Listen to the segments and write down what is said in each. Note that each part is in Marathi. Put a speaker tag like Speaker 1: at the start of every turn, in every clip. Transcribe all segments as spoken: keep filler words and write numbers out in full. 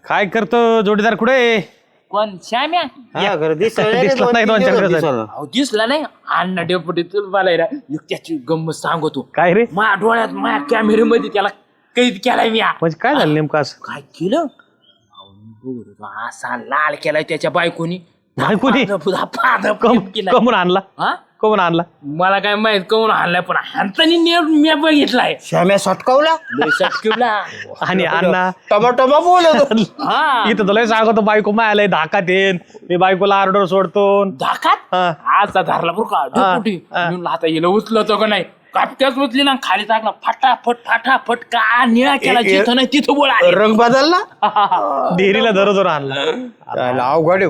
Speaker 1: काय करतो जोडीदार कुठे?
Speaker 2: कोण श्याम्या?
Speaker 3: हा खरं दिसलं
Speaker 1: दिसला नाही दोन चार दिवस.
Speaker 2: अहो दिसला नाही अण्णा डेपुटी तुला मला ना एक त्याची गंमत सांगतो.
Speaker 1: काय रे?
Speaker 2: माझ्या डोळ्यात माझ्या कॅमेऱ्यामध्ये त्याला कैद केलाय मी.
Speaker 1: म्हणजे काय झालं नेमकं असं?
Speaker 2: काय केलं? अहो, मी बघत होतो, असा लाल केलाय त्याच्या बायकोनी.
Speaker 1: बायकोनी?
Speaker 2: पादप
Speaker 1: कम-
Speaker 2: केलाय.
Speaker 1: कमून आणला
Speaker 2: हा?
Speaker 1: कमून आणला
Speaker 2: मला काय माहित कोण हाणलाय पण हाणतानी नेट मी बघितलाय.
Speaker 3: श्याम्या सटकावला
Speaker 2: लय सटकिवला.
Speaker 1: आणि अण्णा
Speaker 3: टमाटमा बोलत
Speaker 2: हा
Speaker 1: इथं तुला सांगतो बायको मायाला धाकात येईन मी बायकोला ऑर्डर सोडतो.
Speaker 2: धाकात
Speaker 1: हा.
Speaker 2: आजचा धरला बरं का डेपुटी.
Speaker 1: हा.
Speaker 2: म्हणून आता हिला उचलतो का नाही कापट्याच उचली ना खाली टाकला फटाफट फटाफट का निळा केला
Speaker 3: ए- ए-
Speaker 2: जिथं नाही तिथं बोला
Speaker 3: रंग बदलला
Speaker 1: डेअरीला धरो धरो आणला.
Speaker 3: अवघड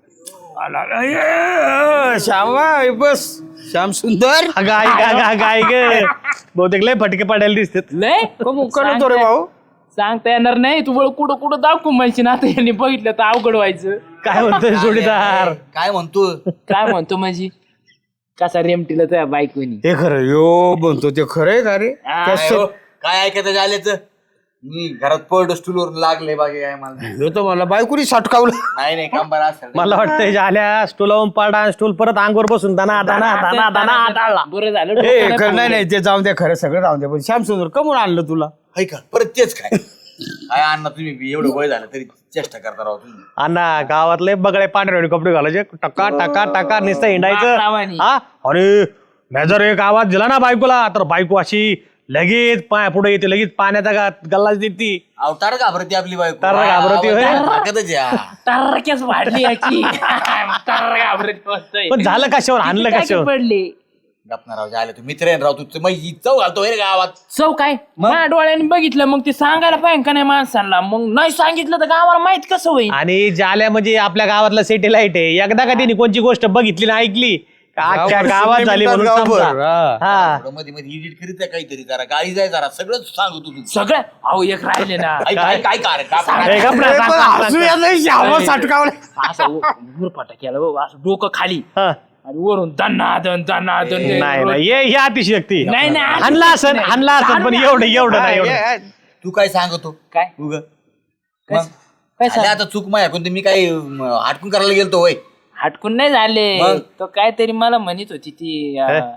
Speaker 3: श्यामा बस श्याम सुंदर
Speaker 1: गाय गाय गाय गाय ग बहुतेक लय फटके पडायला दिसतात.
Speaker 2: लय
Speaker 3: करतो रे भाऊ.
Speaker 2: सांगता येणार नाही तू कुठं कुठं दाखवू म्हणशील आता यांनी बघितलं तर अवघड व्हायचं.
Speaker 1: काय म्हणतोय जोडीदार?
Speaker 4: काय म्हणतो?
Speaker 2: काय म्हणतो म्हणजे कसा रेमटीला त्या बायकोनी.
Speaker 3: हे खरं यो म्हणतो ते खरंय का रे?
Speaker 4: काय हो? काय ऐकायचं झाल्याच मी घरात पडलो स्टूलवर लागले बागे काय मला
Speaker 3: ह्यो तर मला बायकोनी सटकावलं.
Speaker 4: नाही नाही कंबर असेल
Speaker 1: मला वाटतंय झाल्या स्टूलावून पाडा स्टूल परत अंगवर बसून दाना दाना दाना दाना हाताळला.
Speaker 2: बरं झालं
Speaker 3: ए
Speaker 2: डोकं
Speaker 3: खरं नाही
Speaker 2: नाही
Speaker 3: नाही ते जाऊन द्या खरं सगळं जाऊन द्या पण श्याम सुंदर कमून आणलं तुला?
Speaker 4: हाय का परत तेच काय काय अण्णा तुम्ही बी एवढं वय झालं तरी चेष्टा करता राहू तुम्ही.
Speaker 1: अण्णा गावातले बगळे पांढरे कपडे घालायचे टका टका टका नुसतं हिंडायचं.
Speaker 2: बापरावानी.
Speaker 1: हा अरे मी जर एक आवाज दिला ना बायकोला तर बायको अशी लगेच पाय पुढे येते लगेच पाण्याचा गा- गल्लाच देते.
Speaker 4: अवतार घाबरती आपली बायको.
Speaker 1: तर घाबरती होय.
Speaker 4: ताकदच या.
Speaker 2: टर्रक्याच वाढली याची. टर्र घाबरत बसतोय.
Speaker 1: पण झालं कशावर हाणलं
Speaker 2: किती टाके
Speaker 1: कशावर?
Speaker 2: पडले
Speaker 4: गपना राव झालं तू मित्र आहे ना राव तू मग चव घालतो रे गावात.
Speaker 2: सौ काय माझ्या डोळ्याने बघितलं मग ते सांगायला पाहिजे का नाही माणसांना. मग नाही सांगितलं तर गावाला माहित कसं होईल.
Speaker 1: आणि जाल्या म्हणजे आपल्या गावातला सॅटेलाइट आहे. एकदा का त्यांनी कोणची गोष्ट बघितली ना ऐकली का अख्ख्या गावात झाली म्हणून
Speaker 3: गावभर,
Speaker 1: समजा.
Speaker 3: हा.
Speaker 1: हा
Speaker 4: थोडं मध्ये मध्ये एडिट करीत आहे काहीतरी जरा गाडी जाय जरा सगळं सांगू तू.
Speaker 2: सगळं अहो एक राहिले ना
Speaker 4: काय काय काय काय
Speaker 1: ए, गप ना,
Speaker 3: ए,
Speaker 1: सांग,
Speaker 3: पण
Speaker 1: सांग,
Speaker 3: हसू
Speaker 1: सांग.
Speaker 3: येत नाही, श्यामा सटकावलं.
Speaker 2: असं गुरपाटा केला बाबा असं डोकं खाली
Speaker 1: हा.
Speaker 2: आणि वरून दन्नादन दन्नादन
Speaker 1: नाही नाही ये हे अतिशयोक्ती.
Speaker 2: नाही, नाही,
Speaker 1: हाणला असन हाणला असन पण एवढं एवढं नाही एवढं.
Speaker 4: तू काय सांगतो
Speaker 2: काय
Speaker 4: उग
Speaker 2: काय
Speaker 4: मग
Speaker 2: सांग-
Speaker 4: आता चूक माया कोणती मी काही म, हाटकून करायला गेलतो होय.
Speaker 2: हटकून नाही झाले
Speaker 4: मग?
Speaker 2: तो काहीतरी मला म्हणत होती ती अं,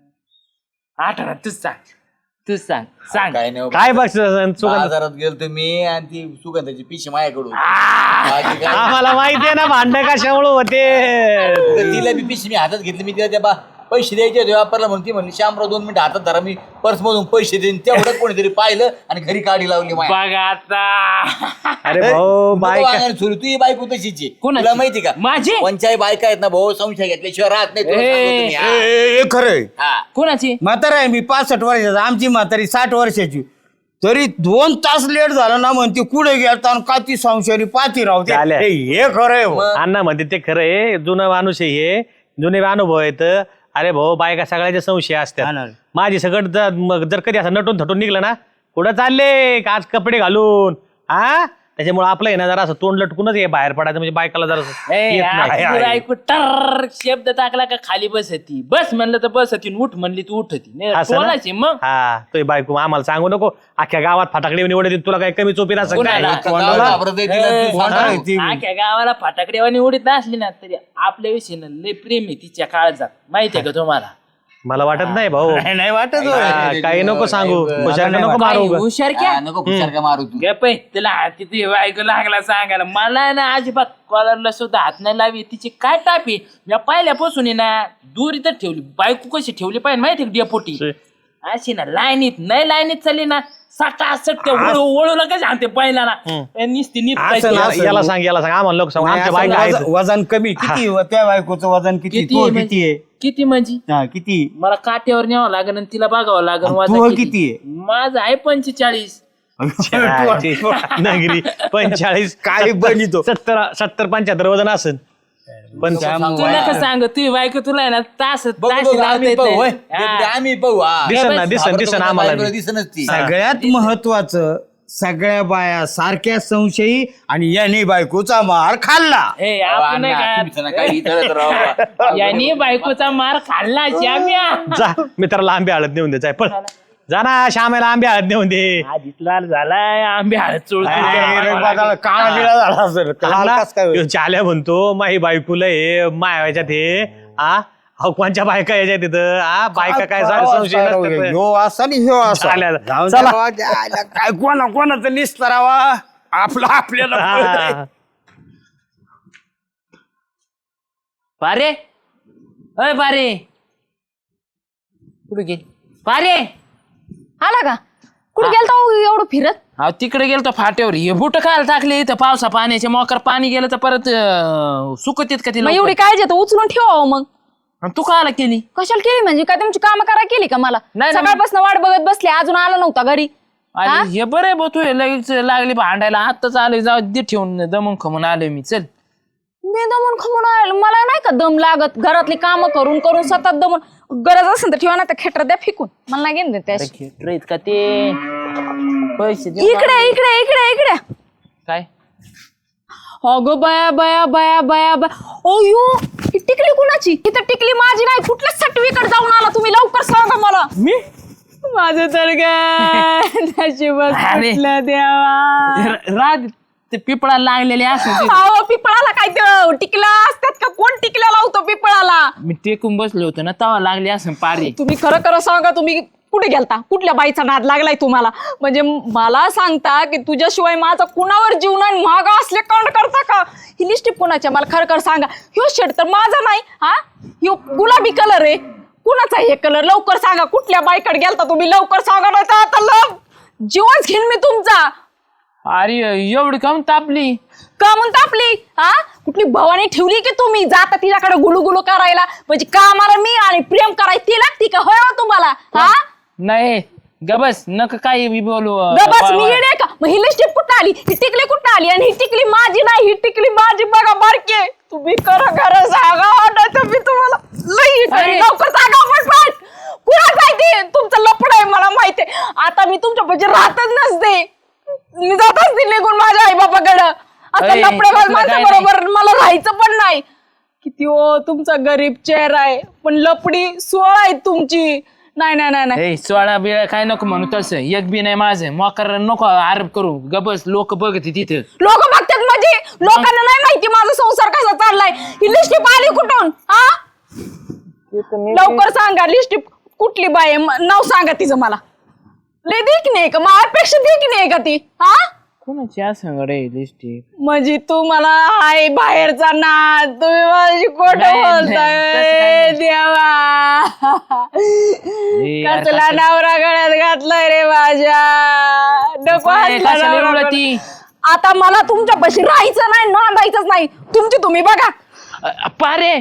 Speaker 2: आठवणार तूच सांग तूच सांग सांग
Speaker 4: काय नाही
Speaker 1: काय बघ सुगंध
Speaker 4: बाजारात गेलतो मी आणि ती सुगंधाची पिशी माझ्याकडून बाकी काय
Speaker 1: आम्हाला माहिती आहे ना भांडण कशामुळे होते.
Speaker 4: उगाच तिला बी पिशी मी हातात घेतली मी तिला त्या बा पैसे द्यायचे होते वापरला म्हणून ती म्हणली शामराव दोन मिनिटं हातात धरा मी पर्स मधून पैसे देईन तेवढं कोणीतरी पाहिलं आणि घरी काढी लावली माझ्या.
Speaker 2: बघ आता
Speaker 1: अरे भाऊ
Speaker 4: नको
Speaker 1: बायका
Speaker 4: वागायला सुरू तू ही बायको तशीच आहे.
Speaker 2: कोणाची?
Speaker 4: तुला माहिती का
Speaker 2: माझी?
Speaker 4: पंचायत बायका आहेत ना भाऊ संशय घेतल्याशिवाय राहत नाही तुला
Speaker 2: ए,
Speaker 4: सांगतो तुम्ही,
Speaker 3: ए,
Speaker 4: हा.
Speaker 3: ए, ए, खरंय
Speaker 4: हा.
Speaker 2: कोणाची
Speaker 3: म्हातारा आहे मी पासष्ट वर्षाचा आमची म्हातारी साठ वर्षाची तरी दोन तास लेट झाला ना म्हणते कुठे गेलता आणि का ती संशयारी पाती राहते.
Speaker 1: झाल्या.
Speaker 3: ए, हे खरंय हो.
Speaker 1: अण्णा म्हणते ते खरं आहे जुनं माणूस आहे हे जुने अनुभव आहेत. अरे भाऊ बायका सगळ्याचे संशय
Speaker 3: हा
Speaker 1: असतात.
Speaker 3: ना.
Speaker 1: माझी सगळं जर मग जर कधी असं नटून थटून निघलं ना कुठं चालले का आज कपडे घालून हा त्याच्यामुळे आपलं आहे ना जरा असं तोंड लटकूनच हे बाहेर पडायचं म्हणजे बायकाला जरा
Speaker 2: ए,
Speaker 1: येत नाही.
Speaker 2: आ, तुला ऐकू टर शब्द टाकला का खाली बसती बस म्हणलं तर बसती उठ म्हणली तू उठती नाही
Speaker 1: असं ना?
Speaker 2: कोणाची मग
Speaker 1: हा तो बायको आम्हाला सांगू नको अख्ख्या गावात फटाकडे निवडते तुला काही कमी चोपी नसेल काय?
Speaker 2: कोणाला?
Speaker 4: गावाला घाबरत आहे तिला, तू सांग
Speaker 3: कोणाला
Speaker 4: ना.
Speaker 3: आहे ती?
Speaker 2: आख्या गावाला फटाकडेवानी उडीत नसली ना तरी आपल्या विषयी लय प्रेम आहे तिच्या काळजात माहितीये का तुम्हाला.
Speaker 1: मला वाटत नाही भाऊ
Speaker 3: नाही, नाही वाटत होय.
Speaker 1: हा, काही नको सांगू हुशारनं नको मारू
Speaker 2: काही
Speaker 1: उगाच.
Speaker 2: हुशार क्या
Speaker 4: हा, नको खुशार का मारू तू.
Speaker 2: गप आहे. तिला तिथे बायको लागला सांगायला मला ना अजिबात कॉलरला सुद्धा हात नाही लावी तिची काय टापी मी पहिल्यापासून आहे ना दूर इथं ठेवली बायको कशी ठेवली पाहिजे माहिती डेपोटी अशी ना लाईनीत नाही लाईनीत चालली ना साठा सट ओळूला कशी आणते पहिला ना निसती नीट
Speaker 3: असं
Speaker 2: पाहिजे.
Speaker 3: ना.
Speaker 1: याला सांग याला सांग आम्हाला लोक सांग
Speaker 3: नाही,
Speaker 1: आमच्या
Speaker 3: असं
Speaker 1: बायका आहेत.
Speaker 3: वजन- वजन कमी किती व त्या बायकोचं वजन किती
Speaker 2: किती
Speaker 3: तो
Speaker 2: आहे
Speaker 3: किती आहे
Speaker 2: म्हणजे? किती म्हणजे
Speaker 3: हा, किती
Speaker 2: मला काट्यावर न्यावं लागेल आणि तिला बघावं लागेल
Speaker 3: आणि
Speaker 2: वजन
Speaker 3: तू
Speaker 2: किती.
Speaker 3: किती आहे?
Speaker 2: माझं आहे पंचेचाळीस.
Speaker 1: नगरी पंचेचाळीस
Speaker 3: काय बनितो
Speaker 1: सत्तर सत्तर पंच्याहत्तर वजन असेल पण
Speaker 2: तुला का सांग तू बायको तुला आहे ना तास
Speaker 4: बघू,
Speaker 2: तास
Speaker 4: बघू,
Speaker 2: लावता
Speaker 4: आम्ही
Speaker 2: येत
Speaker 4: पाहू,
Speaker 2: नाही.
Speaker 4: होय.
Speaker 2: हा.
Speaker 4: ते आम्ही पाहू हा.
Speaker 1: दिसन ना दिसन दिसन आम्हाला बी.
Speaker 4: दिसनच ती
Speaker 3: सगळ्यात महत्वाचं सगळ्या बाया सारख्या संशयी आणि याने बायकोचा मार खाल्ला.
Speaker 2: हे आपण नाही
Speaker 4: अण्णा,
Speaker 2: का
Speaker 4: तुम्ही तर काही इथं तर राव.
Speaker 2: यांनी बायकोचा मार खाल्ला श्याम्या.
Speaker 1: जा मित्राला आंबे हळद नेऊन द्यायचा पळ जा ना श्यामेला आंबे हळद नेऊन दे.
Speaker 2: आधीच लाल झालाय आंबे हळद चोळतो.
Speaker 3: काळा बिळा झाला सर काय
Speaker 1: चाल्या म्हणतो माही बायकोला हे मायाच्यात हे आ अहो कोणच्या बायका याच्या तिथं आ बायका काय सारे संशय नसतात.
Speaker 3: ह्यो असा आणि ह्यो असा
Speaker 1: चालेल.
Speaker 3: जाऊन
Speaker 1: चला.
Speaker 3: द्या, द्यायला काय कोणा कोणाचं निस्तरावा आपला आपल्याला कळतंय.
Speaker 1: हा.
Speaker 2: पारे अय पारे कुठे गेली पारे?
Speaker 5: आला का कुठे गेलता हो एवढं फिरत?
Speaker 2: अहो तिकडे गेलो फाट्यावर हे बुट खायला टाकले इथं पावसा पाण्याचे मोकर पाणी गेलं तर परत अं, सुकत येत का
Speaker 5: मग
Speaker 2: तिला
Speaker 5: एवढी काळजी आहे तर उचलून ठेवा मग.
Speaker 2: तू कायला केली?
Speaker 5: कशाला केली म्हणजे काय तुमची कामं करा केली का मला?
Speaker 2: नाही, नाही.
Speaker 5: सकाळपासून वाट बघत बसली अजून आला नव्हता घरी. हा?
Speaker 2: अरे हे बरं आहे तू लगेच लागली भांडायला आत्ताच आले जाऊ दे ठेवून दमून खमून आलोय मी चल.
Speaker 5: मी दमून खमून आलो मला नाही का दम लागत घरातली कामं करून करून सतत दमून. गरज असेल तर ठेवा ना त्या खेटर द्या फेकून मला नाही घेऊन देत त्याशी.
Speaker 2: खेटरेत का ते पैसे दे.
Speaker 5: इकडे इकडे इकडे इकडे
Speaker 2: काय
Speaker 5: अगं बया बया बया बया बया ओयो ही टिकली कुणाची? इथं टिकली माझी नाही कुठल्या सटवीकडे जाऊन आला तुम्ही लवकर सांगा मला.
Speaker 2: मी
Speaker 5: माझं तर काय नशीबच
Speaker 2: अरे.
Speaker 5: फुटलं देवा.
Speaker 2: राग ते पिपळा लागलेले असं
Speaker 5: अहो पिपळाला काय ते टिकला असतात का? कोण टिकला लावतो पिपळाला?
Speaker 2: मी टेकून बसलो होतो ना तवा लागले असं पारे.
Speaker 5: तुम्ही खरं खरं सांगा तुम्ही कुठे गेलता? कुठल्या बाईचा नाद लागलाय तुम्हाला? म्हणजे मला सांगता की तुझ्याशिवाय माझा कुणावर जीव नाही महाग असले कांड करता का? ही लिस्टिप कुणाच्या मला खरं खरं सांगा. ह्यो शर्ट तर माझा नाही हा ह्यो गुलाबी कलर आहे कुणाचा हे कलर? लवकर सांगा कुठल्या बाईकडे गेलता तुम्ही? लवकर सांगा नाही तर आता लव जीवच घेईन मी तुमचा.
Speaker 2: अरे एवढी कम तापली
Speaker 5: का म्हणता आपली हा कुठली भवानी ठेवली की तुम्ही जाता तिच्याकडे गुलू गुलू करायला? म्हणजे कामाला मी आणि प्रेम करायला ती लागती का? होय हो तुम्हाला हा?
Speaker 2: नाही गबस नक काही बी बोलू
Speaker 5: बस मी येणे का? मग ही लिस्टिप कुठं आली? ही टिकली कुठं आली? आणि ही टिकली माझी नाही ही टिकली माझी बघा बारके. तुम्ही खरं खरं सांगा नाही तर मी तुम्हाला लई करीन. लवकर सांगा पटपट कुणाच आहे ते? तुमचं लपड आहे मला माहिती आहे. आता मी तुमच्या म्हणजे राहतच नसते मी जातच नाही निघून माझ्या आई बापाकडं. आता
Speaker 2: अरे,
Speaker 5: लपड्याबाज
Speaker 2: तसलं
Speaker 5: माणसा
Speaker 2: काय
Speaker 5: बरोबर मला राहायचं पण नाही. किती ओ तुमचा गरीब चेहरा आहे पण लपडी सोळा आहे तुमची. नाही नाही नाही नाही
Speaker 2: ए सोळा बिळा काय नको म्हणू तसं एक बी नाही माझं मोकर नको आरोप करू गबस लोक बघते तिथे.
Speaker 5: लोक बघतात म्हणजे लोकांना नाही माहिती माझा संसार कसा चाललाय. ही लिस्टिप आली कुठून हा? लवकर सांगा लिस्टिप कुठली बाई आहे? म- नाव सांगा तिचं मला. लय देखणी आहे का? माझ्यापेक्षा देखणी आहे का ती हा?
Speaker 2: कोणाची असं रे लिस्टिक?
Speaker 5: म्हणजे तू मला हाय बाहेरचा ना तुम्ही माझी खोट
Speaker 2: नाही, नाही,
Speaker 5: बोलताय
Speaker 2: तसं काही नाही.
Speaker 5: देवा.
Speaker 2: यार,
Speaker 5: कसला
Speaker 2: कसं-
Speaker 5: नवरा गळ्यात घातलाय रे माझ्या. नको
Speaker 2: काय,
Speaker 5: असला
Speaker 2: कशाला
Speaker 5: नवरा
Speaker 2: एवढं
Speaker 5: गळ्यात.
Speaker 2: ती?
Speaker 5: आता मला तुमच्यापाशी राहायचं नाही नांदायचंच नाही. तुमची तुम्ही बघा.
Speaker 2: अ, पारे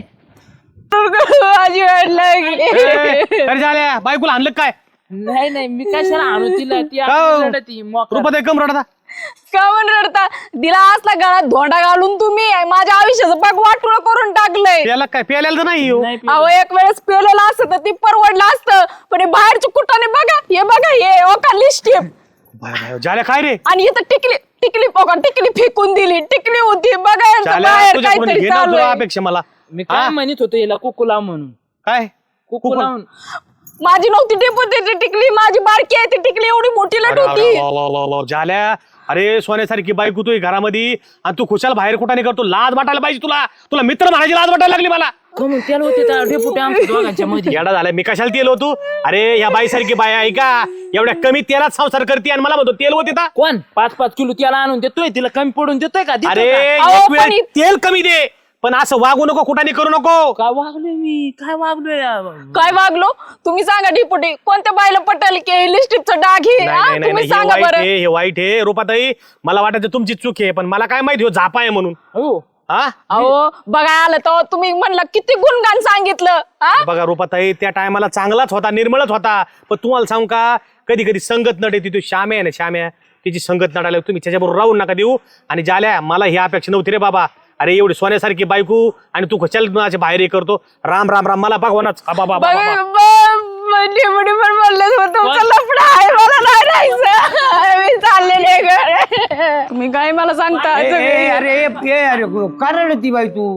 Speaker 5: माझी वाट लागली.
Speaker 1: अरे झाल्या बायकोला आणलं काय?
Speaker 2: नाही नाही मी कशाला आणू तिला ती
Speaker 1: हो?
Speaker 2: आपली रडती, मोकरं.
Speaker 1: रुपये कम रडता.
Speaker 5: का म्हणून रडता? दिला असला गळ्यात धोंडा घालून तुम्ही माझ्या आयुष्याचं पाक वाटोळं करून टाकलंय.
Speaker 1: प्यायला काय प्यायला तर नाही हो.
Speaker 2: नाही पिलं.
Speaker 5: अहो एक वेळेस पेलेलं असतं तर ती परवडलं असतं पण हे बाहेरच्या कुठाने बघा हे बघा हे ओका लिस्टिप
Speaker 1: बाय बाय, झाल्या काय रे?
Speaker 5: आणि इथं टिकली टिकली बघा टिकली फेकून दिली. टिकली होती बघा यांचं
Speaker 1: झाल्या
Speaker 5: बाहेर
Speaker 1: तुझ्याकडून
Speaker 5: काहीतरी
Speaker 1: घेणार
Speaker 5: चालू
Speaker 1: तुला
Speaker 5: आहे.
Speaker 1: अपेक्षा मला.
Speaker 2: मी काय
Speaker 1: हा?
Speaker 2: म्हणत होतो याला कुकू लाव म्हणून
Speaker 1: काय
Speaker 2: कुकू
Speaker 1: कुकू?
Speaker 2: लावून
Speaker 5: माझी नव्हती डेपुटीची टिकली माझी बारकी आहे ती टिकली एवढी मोठी लट होती.
Speaker 1: ला, ला, ला, ला, झाल्या अरे सोन्यासारखी बायको तू घरामध्ये आणि तू खुशाल बाहेर कुठं करतो? लाज वाटायला पाहिजे तुला. तुला मित्र म्हणायची लाज वाटायला लागली मला.
Speaker 2: कमून त्याला होते त्या डेपुटी आमच्या दोघांच्या मध्ये.
Speaker 1: येडा झालाय मी कशाला तेल होतो? अरे ह्या बाईसारखी बाय आहे का एवढ्या कमी तेलात संसार करते आणि मला म्हणतो तेल होते का?
Speaker 2: कोण पाच पाच किलो त्याला आणून देतोय तिला कमी पडून देतोय का? देतो
Speaker 1: अरे
Speaker 2: का?
Speaker 5: अहो,
Speaker 1: एक
Speaker 5: पण
Speaker 1: वेळ
Speaker 5: इ-
Speaker 1: तेल कमी दे पण असं वागू नको कुठाने करू नको.
Speaker 2: काय वागलोय मी काय वागलोय
Speaker 5: काय वागलो तुम्ही सांगा डेपुटी कोणत्या बायला पटेल की लिस्टिपचं डाग हे
Speaker 1: नाही,
Speaker 5: हा?
Speaker 1: नाही, नाही,
Speaker 5: तुम्ही
Speaker 1: हे
Speaker 5: सांगा
Speaker 1: वाईट
Speaker 5: बरं.
Speaker 1: आहे हे वाईट आहे रुपाताई. मला वाटायचं तुमची चूक आहे पण मला काय माहिती हो झापा आहे म्हणून.
Speaker 2: हो
Speaker 1: हा
Speaker 5: अहो बघा आलं तर तुम्ही म्हणलं किती गुणगान सांगितलं हा?
Speaker 1: बघा रुपाताई त्या टायमाला चांगलाच होता निर्मळच होता पण तुम्हाला सांगू का कधी कधी संगत नट येते. तो श्याम्या आहे ना श्याम्या तिची संगत नटायला तुम्ही त्याच्याबरोबर राहून नका देऊ. आणि झाल्या मला ही अपेक्षा नव्हती रे बाबा. अरे एवढी सोन्यासारखी बायको आणि तू कशाला माझ्या बाहेर हे करतो? राम राम राम मला भगवानच बाबा बाबा
Speaker 5: बघा, ब- डेपुटी पण बोलले तुमचं लफडं आहे मला नाही राहायचं मी चाललेले घर. तुम्ही काय मला सांगता
Speaker 3: ए, ए,
Speaker 5: सगळे?
Speaker 3: अरे ए, अरे कारण ती बाई तू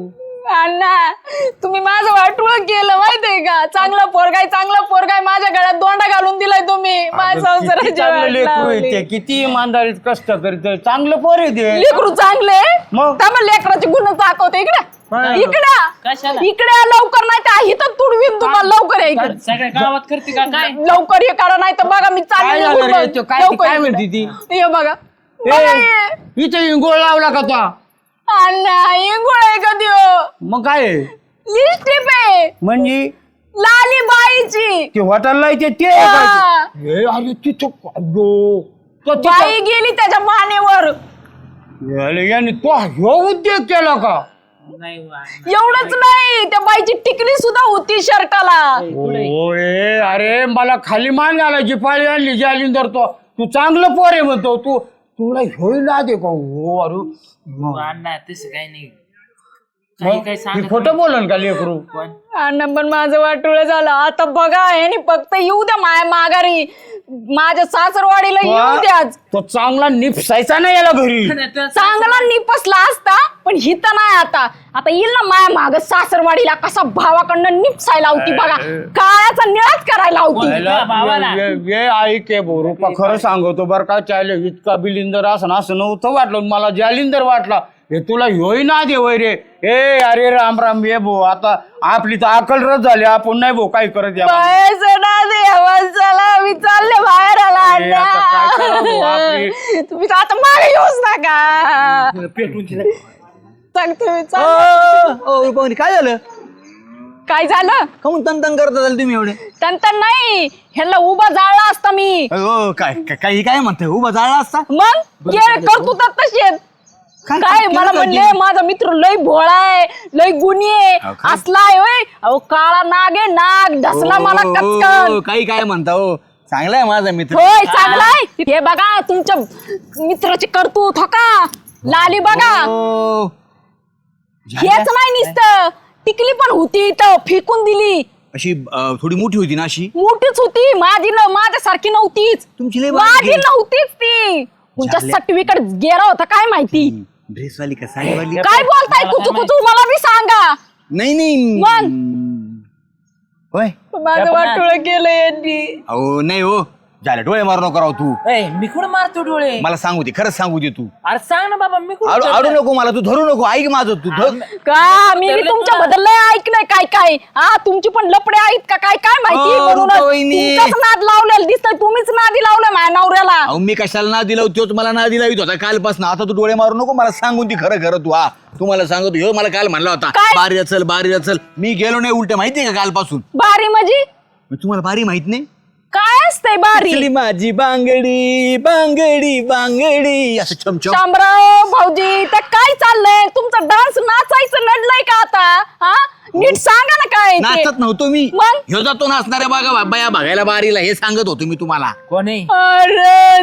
Speaker 5: अण्णा तुम्ही माझं वाटोळ केलं माहितीये का? चांगला पोरगाय चांगला पोरगाय माझ्या गळ्यात दोंडा घालून दिलाय तुम्ही. माझ्या
Speaker 3: किती
Speaker 5: संसाराची
Speaker 3: चांगलं
Speaker 5: वाट
Speaker 3: लेकरू आहे
Speaker 5: लावली.
Speaker 3: ते, किती इमानदारीत कष्ट करते, चांगलं पोर आहे ते.
Speaker 5: लेकरू चांगले
Speaker 3: मग?
Speaker 5: त्यामुळे लेकराचे गुण दाखवते. इकडे
Speaker 3: काय?
Speaker 5: इकडे
Speaker 2: कशाला?
Speaker 5: इकडे या लवकर, नाही तर इथं तुडवीन तुम्हाला. लवकर या इकडे,
Speaker 2: सगळ्या गावात करते का काय?
Speaker 5: लवकर ये करा, नाही तर बघा मी
Speaker 3: काय
Speaker 5: चालले
Speaker 3: झालं
Speaker 5: निघून
Speaker 3: रे?
Speaker 5: बघ.
Speaker 3: तो काय-
Speaker 5: लवकर
Speaker 3: काय
Speaker 5: इकडे.
Speaker 3: म्हणते ती?
Speaker 5: ये बघा बघा ये.
Speaker 3: इथे इंगोळ लावला का तो?
Speaker 5: अण्णा इंगुळ आहे का त्यो?
Speaker 3: मग काय आहे?
Speaker 5: लिपस्टिक आहे
Speaker 3: म्हणजे
Speaker 5: लाली बाईची.
Speaker 3: ते हॉटेलला येते ते आहे
Speaker 5: हा.
Speaker 3: का? हे अरे तिथं अगो, तो तिथं-
Speaker 5: बाई गेली त्याच्या मानेवर.
Speaker 3: याले याने तो ह्यो उद्योग केला का?
Speaker 2: नाही वा.
Speaker 5: एवढंच नाही, त्या बाईची टिकली सुद्धा होती शर्टाला.
Speaker 3: ओए अरे मला खाली मान घालायची पाळी आणली जालिंदर. तो तू चांगलं पोर आहे म्हणतो, तू तुला ह्योही ना दे का? हो अरे
Speaker 2: अण्णा तसं काही नाही. काही काही सांगत
Speaker 3: खोटं बोलन का लेकरू?
Speaker 2: पण
Speaker 5: अण्णा पण माझं वाटोळं झालं. आता बघा ह्यानी फक्त येऊ द्या माया माघारी, माझ्या सासरवाडीला येऊ द्याच.
Speaker 3: तो चांगला निपसायचा ना याला घरी.
Speaker 5: चांगला निपसला असता, पण हित नाही. आता आता येईल ना माया माग सासरवाडीला, कसा भावाकडनं निपसायला होती बघा, काळाचा निळाच करायला होती.
Speaker 2: भावाला.
Speaker 3: ये- ये- ये ऐके बोरूपा, खरं सांगतो बरं का, चाले इतका बिलिंदर असं ना असं नव्हतं वाटलं मला, जालिंदर वाटला. हे तुला ह्योही ना दे वय रे. ए अरे राम राम ये भो, आता आपली तर अकल रस झाली, आपण नाही भो काय करत या.
Speaker 5: पैसे ना देवा, चला मी चालले बाहेर आला.
Speaker 3: ए, आता काय करावं भाऊ आपली?
Speaker 5: अण्णा तुम्ही तर आता मागे येऊच नका.
Speaker 2: पेटून
Speaker 5: सांगतो मी, चाल.
Speaker 4: काय झालं?
Speaker 5: काय झालं?
Speaker 4: काऊन तन तन करत झालं तुम्ही एवढे?
Speaker 5: तंतन नाही, ह्याला उभा जाळला असता मी.
Speaker 4: हो काय काय- काही काय म्हणतोय, उभा जाळला असता?
Speaker 5: मग ये करतो तर तशी आहेत.
Speaker 4: काय-
Speaker 5: काय
Speaker 4: काय
Speaker 5: मला
Speaker 4: केलं
Speaker 5: म्हणले
Speaker 4: काय?
Speaker 5: माझा मित्र लय भोळा आहे, लय गुणी आहे,
Speaker 4: अहो, काय?
Speaker 5: असलाय होय. अहो काळा नाग आहे, नाग ढसला मला
Speaker 4: हो,
Speaker 5: कचकन.
Speaker 4: हो, काही काय म्हणता हो, चांगला आहे माझा मित्र.
Speaker 5: होय चांगलाय. हे बघा तुमच्या मित्राची करतूत हो का, लाली बघा.
Speaker 4: हो.
Speaker 5: हेच नाही नुसतं, टिकली पण होती इथं, फेकून दिली.
Speaker 4: अशी अं, थोडी मोठी होती ना अशी.
Speaker 5: मोठीच होती, माझी न माझ्यासारखी नव्हतीच.
Speaker 4: तुमची लय बारीक
Speaker 5: माझी
Speaker 4: आहे.
Speaker 5: नव्हतीच ती. तुमच्या
Speaker 4: झाल्या.
Speaker 5: सटवीकडे गेला होता काय माहिती.
Speaker 4: ड्रेसवाली का साडीवाली?
Speaker 5: काय बोलताय कुचू कुचू, मला बी सांगा.
Speaker 4: नाही नाही
Speaker 5: मग?
Speaker 4: होय.
Speaker 5: माझं वाटोळं केलं यांनी.
Speaker 4: अहो नाही हो, झालं डोळे मारू नको राव तू.
Speaker 2: मी कुठं मारतो डोळे?
Speaker 4: मला सांगू दे, खरंच सांगू दे तू.
Speaker 2: अरे सांग ना बाबा, मी
Speaker 4: आडू आडू
Speaker 2: कुठं
Speaker 4: नको मला, तू धरू नको, ऐक माझं तू धर.
Speaker 5: का मी बी
Speaker 2: ठरलं
Speaker 5: तुमच्या
Speaker 2: तुला.
Speaker 5: बद्दल लय ऐकलंय काय काय. हा तुमची पण लपडे आहेत का काय काय माहिती.
Speaker 4: हो,
Speaker 5: म्हणूनच
Speaker 4: रुपावहिनी.
Speaker 5: तुमचाच नाद लावलेला दिसतोय, तुम्हीच नादी लावलंय माझ्या नवऱ्याला.
Speaker 4: अहो मी कशाला ना दिला तोच मला ना दिला होता कालपासून. आता तू डोळे मारू नको, मला सांगून ती खरं खरं तू. हा तुम्हाला सांगतो, ह्यो मला काल म्हणला होता
Speaker 5: काय?
Speaker 4: बारीला चल बारीला चल. मी गेलो नाही, उलट माहितीये का कालपासून.
Speaker 5: बारी म्हणजे
Speaker 4: मग तुम्हाला बारी माहित नाही?
Speaker 5: काय असतंय बारी?
Speaker 4: चली माझी बांगडी बांगडी बांगडी असं छमछम.
Speaker 5: शामराव भाऊजी त्या काय चाललंय तुमचं? डान्स नाचायचं नडलंय का आता? हा नीट सांगा ना काय ते.
Speaker 4: नाचत नव्हतो मी,
Speaker 5: मग?
Speaker 4: ह्यो जातो नाचणाऱ्या बागा बाया बघायला बारीला, हे सांगत होतो मी तुम्हाला.
Speaker 2: कोणी?
Speaker 5: अरे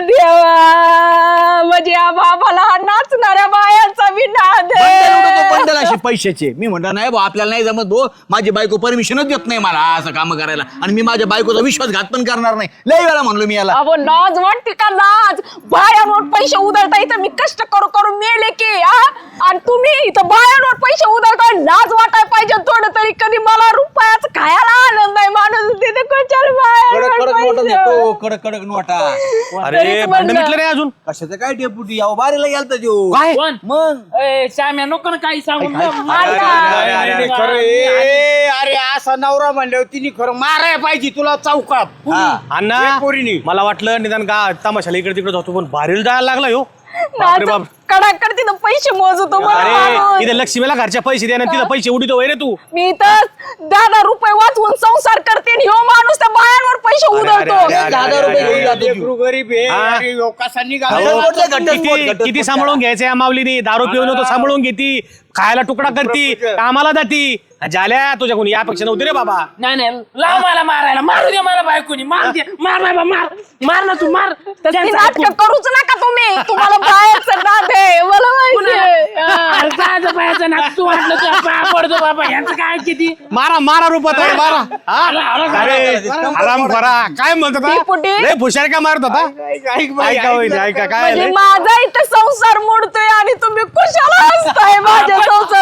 Speaker 5: देवा, म्हणजे या बाबाला हा नाचणाऱ्या बायांचा बी नाद
Speaker 4: बंडल उडवतो,
Speaker 5: आहे.
Speaker 4: बंडल असे पैशाचे. मी म्हणतो नाही भाऊ, आपल्याला नाही जमत भाऊ, माझी बायको परमिशनच देत नाही मला असं काम करायला, आणि मी माझ्या बायकोचा विश्वासघात पण करणार नाही. लय वेळा म्हणलो मी याला.
Speaker 5: अहो लाज वाटते का? लाज. बायांवर पैसे उधळता इथं मी कष्ट करू करू मेले की हा? आणि तुम्ही इथं बायांवर पैसे उधळताय, लाज वाटाय पाहिजे थोडं तरी. कधी मला रुपयाच खायला आनंद आहे, माणूस तिथे कशाला
Speaker 4: कडक कडक नोटा
Speaker 5: बायांवर
Speaker 4: देतो,
Speaker 5: पैसे?
Speaker 4: कडक कडक नोटा.
Speaker 1: अरे
Speaker 5: तरीच
Speaker 1: भांडण
Speaker 5: म्हणलं.
Speaker 1: मिटलं नाही अजून.
Speaker 4: कशाचं काय डेपुटी, अहो बारीला गेलता त्यो.
Speaker 1: काय?
Speaker 2: कोण?
Speaker 4: मग
Speaker 2: ए, श्याम्या नको ना काही सांगू.
Speaker 5: मार
Speaker 3: अरे,
Speaker 5: ना.
Speaker 3: अरे, अरे, अरे, खरं ए, अरे असा नवरा म्हणल्यावर तिने खरं माराय पाहिजे तुला चौकात.
Speaker 4: हा.
Speaker 1: अण्णा
Speaker 3: एक पोरीनी.
Speaker 1: मला वाटलं निदान का तमाशाला इकडे तिकडे जातो, पण भारीला जायला लागला हो. बापरे बाप.
Speaker 5: कडाकड तिथं पैसे मोजतो मला
Speaker 1: अरे
Speaker 5: माणूस.
Speaker 1: इथे लक्ष्मीला घरच्या पैसे द्या, तिला पैसे उडीतो वय रे तू.
Speaker 5: मी तर दहा दहा रुपये वाचवून संसार करते आणि ह्यो माणूस त्या बायांवर पैसे
Speaker 1: अरे,
Speaker 5: उधळतो.
Speaker 1: अरे, अरे,
Speaker 4: दहा दहा रुपये घेऊन जातो त्यो.
Speaker 3: लेकरू गरीब आहे.
Speaker 1: हा.
Speaker 3: अरे, ह्यो कसा निघाला?
Speaker 1: अहो,
Speaker 4: घटस्फोट, घटस्फोट,
Speaker 1: किती
Speaker 4: घटस्फोट.
Speaker 1: किती सांभाळून घ्यायचं या माऊलीनी. दारू पिऊन होतो सांभाळून घेती, खायला तुकडा करती, कामाला जाती. झाल्या तुझ्या कोणी यापेक्षा नव्हती रे बाबा.
Speaker 2: नाही नाही, लाव मला मारायला, मारू दे मला बायकोनी, मार दे, मार बाबा, मार मार ना तू, मार.
Speaker 5: तर ती
Speaker 2: त्यांचं
Speaker 5: नाटकं
Speaker 2: ऐकून.
Speaker 5: करूच नका तुम्ही. तुम्हाला बाहेरचं नाद आहे मला माहिती आहे.
Speaker 2: अरे जायचं पाहायचं ना, तू वाटलं तुझ्या पाया पडतो बाबा, यांचं काय किती.
Speaker 1: मारा मारा रूपात आहे, मारा. हा? अरे आराम करा. काय म्हणतो
Speaker 5: ती पुटी?
Speaker 1: लय भुशार का मारत होता?
Speaker 3: ऐक बाई,
Speaker 1: ऐका वहिनी, ऐका काय
Speaker 5: म्हणजे
Speaker 1: झालंय?
Speaker 5: माझा इथं संसार मोडतोय आणि तुम्ही कुशाला असताय माझा संसार मोडतोय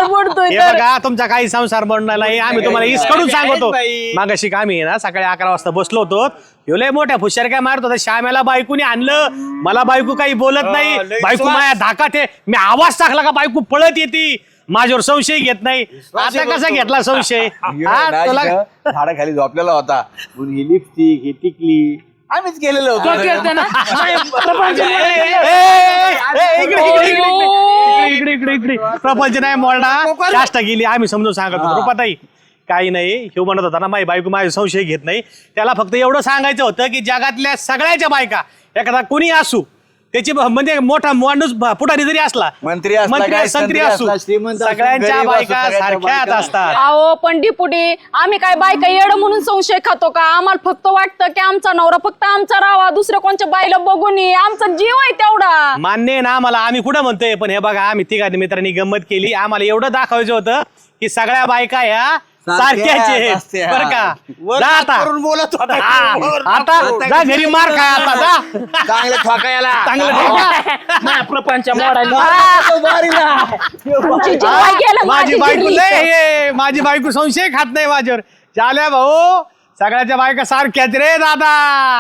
Speaker 5: तुम्ही
Speaker 1: हे
Speaker 5: तर
Speaker 1: बघा तुमचा काही संसार बनणार नाही आम्ही तुम्हाला इसकडून सांगतो मागाशी आम्ही ना सकाळी अकरा वाजता बसलो होतो ह्यो लय मोठ्या फुशार काय मारत होता श्यामेला बायकोनी आणलं मला बायको काही बोलत नाही बायको माझ्या धाकात आहे मी आवाज टाकला का बायको पळत येते माझ्यावर संशय घेत नाही आता कसा घेतला संशय हा, तुला
Speaker 4: झाडाखाली झोपलेला होता ही लिपस्टिक ही टिकली आम्हीच केलेलं
Speaker 2: तो
Speaker 4: होतं
Speaker 2: केलतं ना प्रपंच
Speaker 1: ए, ए, ए, इकडे, इकडे, इकडे, इकडे, इकडे, इकडे, इकडे. प्रपंच नाही मोरडा चाष्टा गेली आम्ही समजून सांगत होतो रुपाताई काही नाही हे म्हणत होता ना माझी बायको माझे संशय घेत नाही त्याला फक्त एवढं सांगायचं होतं की जगातल्या सगळ्याच्या बायका एखादा कोणी असू त्याची ब- म्हणजे मोठा माणूस ब- पुढारी जरी असला
Speaker 4: मंत्री असला
Speaker 1: मंत्री
Speaker 4: काय,
Speaker 1: संत्री
Speaker 4: संत्री
Speaker 1: असू
Speaker 4: असला, श्रीमंत असू,
Speaker 1: सगळ्यांच्या
Speaker 4: गरीब असू,
Speaker 1: बायका
Speaker 4: सगळ्यांच्या
Speaker 1: सारख्याच
Speaker 4: बायका.
Speaker 1: असतात
Speaker 5: अहो पण डिपुटी आम्ही काय बायका येड म्हणून संशय खातो का आम्हाला फक्त वाटतं की आमचा नवरा फक्त आमचा राहावा दुसऱ्या कोणच्या बाईला बघून ये आमचा जीव आहे तेवढा
Speaker 1: मान्य आहे ना आम्हाला आम्ही कुठं म्हणतोय पण हे बघा आम्ही तिघांनी मित्रांनी गंमत केली आम्हाला एवढं दाखवायचं होतं की सगळ्या बायका ह्या सारख्याच आहेत
Speaker 4: असत्या.
Speaker 1: बरं का
Speaker 3: वर
Speaker 1: जा
Speaker 3: हात
Speaker 1: आता
Speaker 3: करून बोलत होता
Speaker 1: हा, आता जा घरी मार खाय आता जा
Speaker 4: चांगलं ठोकायला
Speaker 1: चांगलं ठोका.
Speaker 2: माझ्या प्रपंच मोडायला
Speaker 5: आमची जीवाई गेलं,
Speaker 1: माझी
Speaker 5: माझी
Speaker 1: बायको
Speaker 5: जिरली.
Speaker 1: लय हे, माझी बायको संशय खात नाही माझ्यावर चाल्या भाऊ सगळ्याच्या बायका सारख्याच रे दादा